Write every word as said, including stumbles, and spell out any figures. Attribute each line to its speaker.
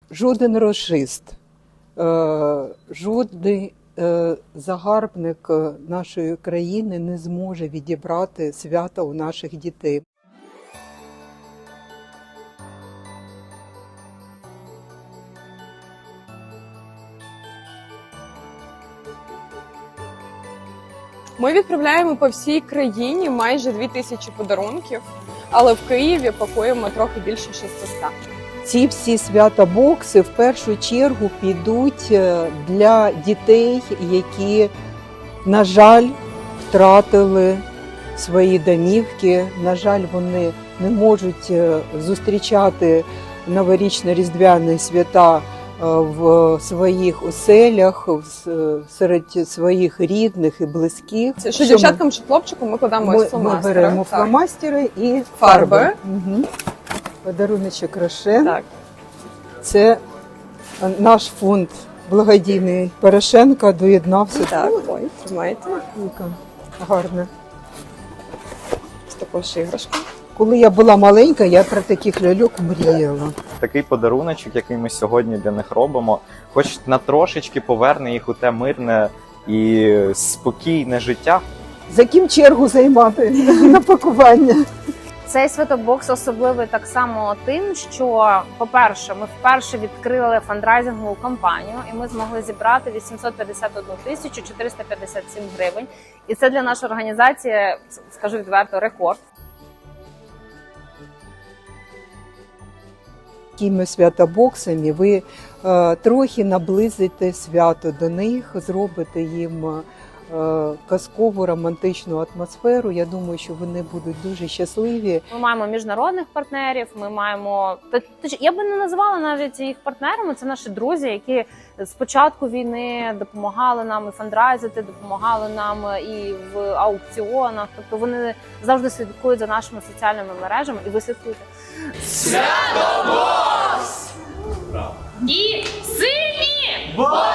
Speaker 1: Жоден рашист, жодний загарбник нашої країни не зможе відібрати свята у наших дітей.
Speaker 2: Ми відправляємо по всій країні майже дві тисячі подарунків, але в Києві пакуємо трохи більше шістсот.
Speaker 1: Ці всі свята-бокси в першу чергу підуть для дітей, які, на жаль, втратили свої домівки. На жаль, вони не можуть зустрічати новорічно-різдвяні свята в своїх оселях, серед своїх рідних і близьких.
Speaker 2: Це що дівчаткам, що хлопчикам ми кладемо
Speaker 1: ми,
Speaker 2: фломастери.
Speaker 1: Ми беремо так. фломастери і
Speaker 2: фарби.
Speaker 1: фарби. Угу. Подаруночок Рошен.
Speaker 2: Так.
Speaker 1: Це наш фонд благодійний Порошенка доєднався.
Speaker 2: Так, ой, тримайте.
Speaker 1: Гарне.
Speaker 2: З такою ж іграшкою.
Speaker 1: Коли я була маленька, я про таких ляльок мріяла.
Speaker 3: Такий подаруночок, який ми сьогодні для них робимо, хоч на трошечки поверне їх у те мирне і спокійне життя.
Speaker 1: За ким чергу займати на пакування?
Speaker 4: Цей святобокс особливий так само тим, що, по-перше, ми вперше відкрили фандрайзингову кампанію, і ми змогли зібрати вісімсот п'ятдесят одну тисячу чотириста п'ятдесят сім гривень. І це для нашої організації, скажу відверто, рекорд.
Speaker 1: Такими святобоксами ви е, трохи наблизите свято до них, зробите їм е, казкову романтичну атмосферу. Я думаю, що вони будуть дуже щасливі.
Speaker 4: Ми маємо міжнародних партнерів, ми маємо... Я би не називала навіть їх партнерами, це наші друзі, які з початку війни допомагали нам і фандрайзити, допомагали нам і в аукціонах. Тобто вони завжди слідкують за нашими соціальними мережами, і ви слідкуєте.
Speaker 5: Святобокс! І сильні!